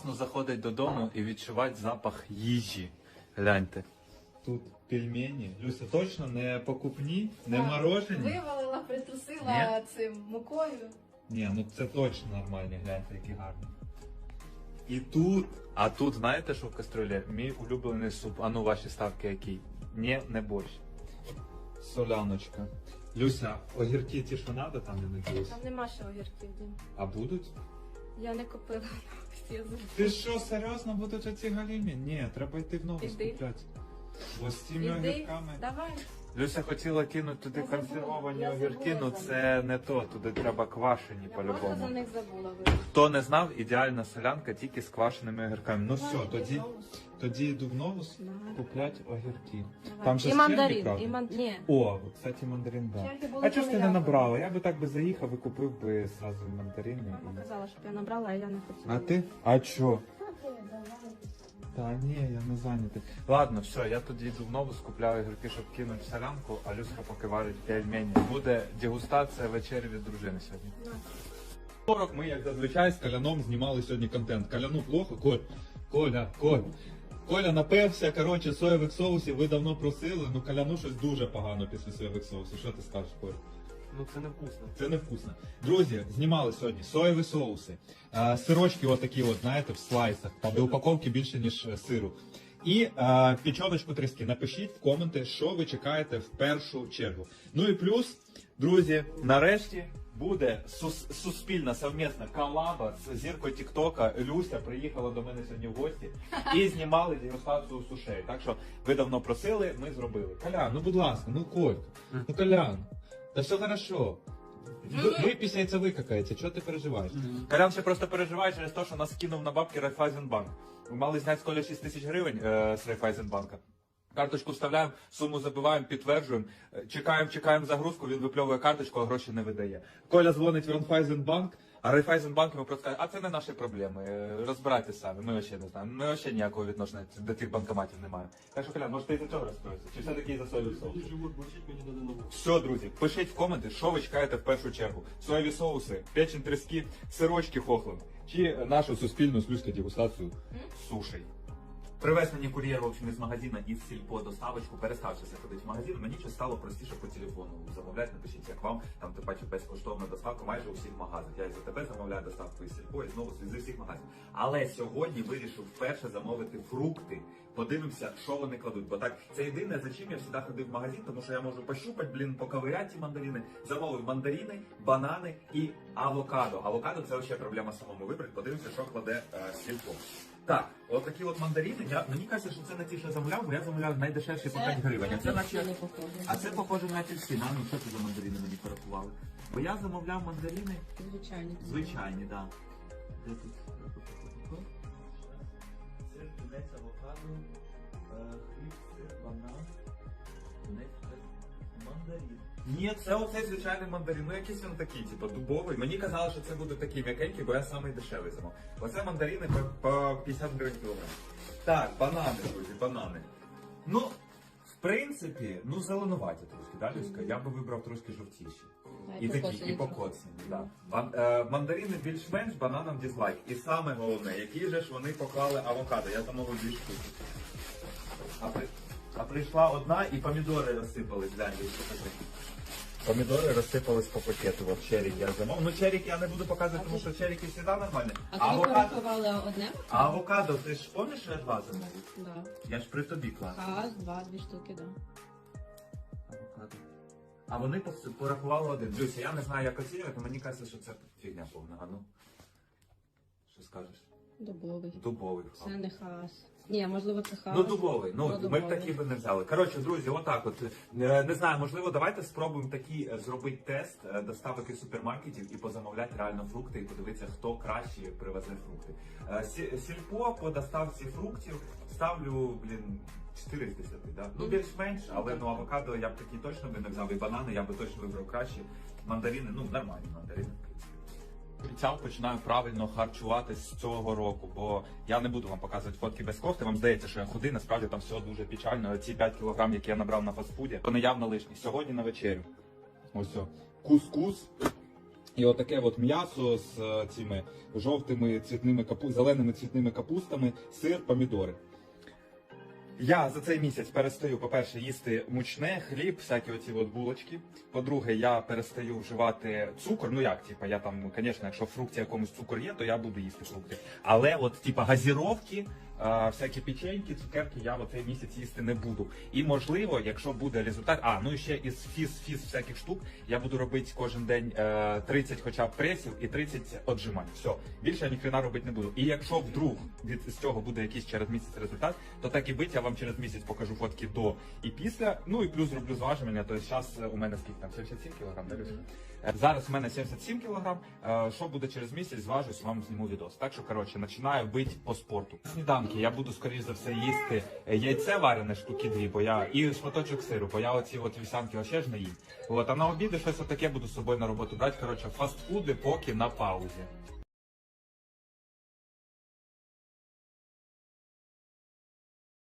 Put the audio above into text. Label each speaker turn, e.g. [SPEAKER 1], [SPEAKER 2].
[SPEAKER 1] класно заходить додому і відчувати запах їжі. Гляньте. Тут пельмені. Люся, точно не покупні, не морожені?
[SPEAKER 2] Вивалила, притрусила цим мукою.
[SPEAKER 1] Ні, ну це точно нормальні, гляньте, які гарні. І тут, а тут знаєте, що в кастрюлі? Мій улюблений суп. А ну ваші ставки які? Ні, не борщ. Соляночка. Люся, огірки ті, що треба, там не надіюсь?
[SPEAKER 2] Там нема ще огірків, Дім.
[SPEAKER 1] А будуть?
[SPEAKER 2] Я не купила.
[SPEAKER 1] Ти що, серйозно будуть оці галімі? Ні, треба йти в нову
[SPEAKER 2] Іди.
[SPEAKER 1] скупляти. Бо з цими
[SPEAKER 2] Іди,
[SPEAKER 1] огірками.
[SPEAKER 2] давай.
[SPEAKER 1] Люся хотіла кинути туди
[SPEAKER 2] Я забула,
[SPEAKER 1] консервовані
[SPEAKER 2] я
[SPEAKER 1] огірки,
[SPEAKER 2] забула
[SPEAKER 1] ну
[SPEAKER 2] за
[SPEAKER 1] це не то, туди треба квашені
[SPEAKER 2] Я просто за
[SPEAKER 1] по-любому.
[SPEAKER 2] них забула.
[SPEAKER 1] Хто не знав, ідеальна солянка тільки з квашеними огірками. Ну все,
[SPEAKER 2] Давай,
[SPEAKER 1] тоді йду в новус
[SPEAKER 2] Давай.
[SPEAKER 1] купляти огірки.
[SPEAKER 2] Давай.
[SPEAKER 1] Там же
[SPEAKER 2] І
[SPEAKER 1] черги,
[SPEAKER 2] мандарин,
[SPEAKER 1] правда?
[SPEAKER 2] Ні.
[SPEAKER 1] О, кстати, мандарин, да.
[SPEAKER 2] Черги були
[SPEAKER 1] А чого ж ти не
[SPEAKER 2] коли я
[SPEAKER 1] набрала? Я би так би заїхав і купив би зразу мандарини.
[SPEAKER 2] Мама казала, щоб я набрала, а я не хотіла.
[SPEAKER 1] А ти? А чо? Та ні, я не зайнятий. Ладно, все, я тоді йду в новус, купляю огірки, щоб кинути в солянку, а Люська поки варить пельмені. Буде дегустація вечері від дружини сьогодні. 40 ми, як зазвичай, з Коляном знімали сьогодні контент. Коляну плохо? Коля напився, коротше, соєвих соусів, ви давно просили, ну Коляну щось дуже погано після соєвих соусів. Що ти скажеш, Коль?
[SPEAKER 3] Ну це невкусно.
[SPEAKER 1] Це невкусно. Друзі, знімали сьогодні соєві соуси, сирочки отакі от, знаєте, в слайсах, там де упаковки більше, ніж сиру. І печоночку тріски. Напишіть в коменти, що ви чекаєте в першу чергу. Ну і плюс, друзі, нарешті буде суспільна совмісна колаба з зіркою Тіктока. Люся приїхала до мене сьогодні в гості і знімали дегустацію сушей. Так що ви давно просили, ми зробили. Колян, ну будь ласка, ну Колька, ну Колян. Да все хорошо. Ви після яйця викакаєте, чого ти переживаєш? Колян ще просто переживає через те, що нас кинув на бабки Райфайзенбанк. Ми мали зняти з Коля 6 тисяч гривень з Райфайзенбанка. Карточку вставляємо, суму забиваємо, підтверджуємо, чекаємо загрузку, він випльовує карточку, а гроші не видає. Коля дзвонить в Райфайзенбанк, а Райфайзенбанк йому просто каже, а це не наші проблеми, розбирайтеся самі, ми взагалі не знаємо, ми взагалі ніякого відношення до тих банкоматів не маємо. Так що, Колян, може ти за цього розстроїшся? Чи все-таки за соєвий соус?
[SPEAKER 3] Живот борщить, мені треба нову.
[SPEAKER 1] Все, друзі, пишіть в коменти, що ви чекаєте в першу чергу. Соєві соуси, печень трески, сирочки хохлим, чи нашу суспільну слюзьку дегустацію сушей. Привез мені кур'єр, в общем, із магазину, із сільпо доставочку, переставшися ходити в магазин, мені щось стало простіше по телефону замовляти, напишіть, як вам, там, ти бачиш, безкоштовна доставка майже у всіх магазинах. Я і за тебе замовляю доставку із сільпо, і знову зі всіх магазинів. Але сьогодні вирішив вперше замовити фрукти, подивимося, що вони кладуть. Бо так, це єдине, за чим я завжди ходив в магазин, тому що я можу пощупати, поковиряти ті мандарини. Замовив мандарини, банани і авокадо. Авокадо це взагалі проблема самому вибрати, подивимося, що кладе сільпо. Так, от такі от мандарини. Мені кажеться, що це не ті, що замовляв, бо я замовляв найдешевші по 5 гривень. А це похоже на апельсин. А ну що це за мандарини мені порахували? Бо я замовляв мандарини звичайні, так. Де тут? Сир, тунець, авокадо, хліб, сир, банан, тунець, мандарин. Ні, це оцей звичайний мандарин. Ну якийсь він такий, типу, дубовий. Мені казали, що це буде такий м'якенький, бо я самий дешевий замов. Оце мандарини по 50 гривень кілограм. Так, банани, друзі, банани. Ну, в принципі, ну зеленуваті трошки, да, Люська? Я би вибрав трошки жовтіші. І такі, і покоцані, да. Мандарини більш-менш, бананам дизлайк. І саме головне, які же ж вони поклали авокадо. Я замовив 2 штуки. А прийшла одна і помідори розсипались, гляньте, що таке. Помідори розсипались по пакету, от черік я замовив. Ну черік я не буду показувати, тому що черіки завжди нормальні.
[SPEAKER 2] А тобі порахували одне?
[SPEAKER 1] А авокадо, ти ж пам'ятаєш, що я 2 замовив?
[SPEAKER 2] Да.
[SPEAKER 1] Я ж при тобі клав.
[SPEAKER 2] Раз, 2 штуки, да.
[SPEAKER 1] Авокадо. А вони порахували один. Люся, я не знаю, як оцінювати, мені кажеться, що це фігня повна. А ну, що скажеш?
[SPEAKER 2] Дубовий.
[SPEAKER 1] Дубовий.
[SPEAKER 2] Це не хас. Ні, можливо, це хас.
[SPEAKER 1] Ну, дубовий. Ну, ми б такі би не взяли. Коротше, друзі, отак от. Не знаю, можливо, давайте спробуємо такий зробити тест доставок із супермаркетів і позамовляти реально фрукти, і подивитися, хто краще привезе фрукти. Сільпо по доставці фруктів ставлю, 4 з 10, да? Ну, більш-менш, але ну, авокадо я б такі точно би не взяв, і банани я би точно вибрав кращі. Мандарини, ну, нормальні мандарини, в принципі. Обіцяв, починаю правильно харчуватись з цього року, бо я не буду вам показувати фотки без кофти. Вам здається, що я худий, насправді там все дуже печально. Ці 5 кілограм, які я набрав на фастфуді, вони явно лишні. Сьогодні на вечерю. Ось о. Кускус І отаке от м'ясо з цими жовтими зеленими цвітними капустами, сир, помідори. Я за цей місяць перестаю, по-перше, їсти мучне, хліб, всякі оці от булочки. По-друге, я перестаю вживати цукор. Ну як, типа, я там, звісно, якщо в фрукті якомусь цукор є, то я буду їсти фрукти. Але от, типа, газіровки, всякі печеньки, цукерки я в цей місяць їсти не буду. І можливо, якщо буде результат, ну і ще із фіз всяких штук, я буду робити кожен день 30 хоча б пресів і 30 отжимань. Все, більше я ніхрена робити не буду. І якщо вдруг з цього буде якийсь через місяць результат, то так і бить, я вам через місяць покажу фотки до і після. Ну і плюс зроблю зважування, то зараз у мене скільки там, 77 кг, да, Люся? Зараз у мене 77 кг, що буде через місяць, зважусь, вам зніму відос. Так що, коротше, починаю бити по спорту. Сніданки я буду, скоріш за все, їсти яйце варене штуки 2, бо я і шматочок сиру, бо я оці от вівсянки ще ж не їм. От, а на обіди щось отаке буду з собою на роботу брати. Коротше, фастфуди поки на паузі.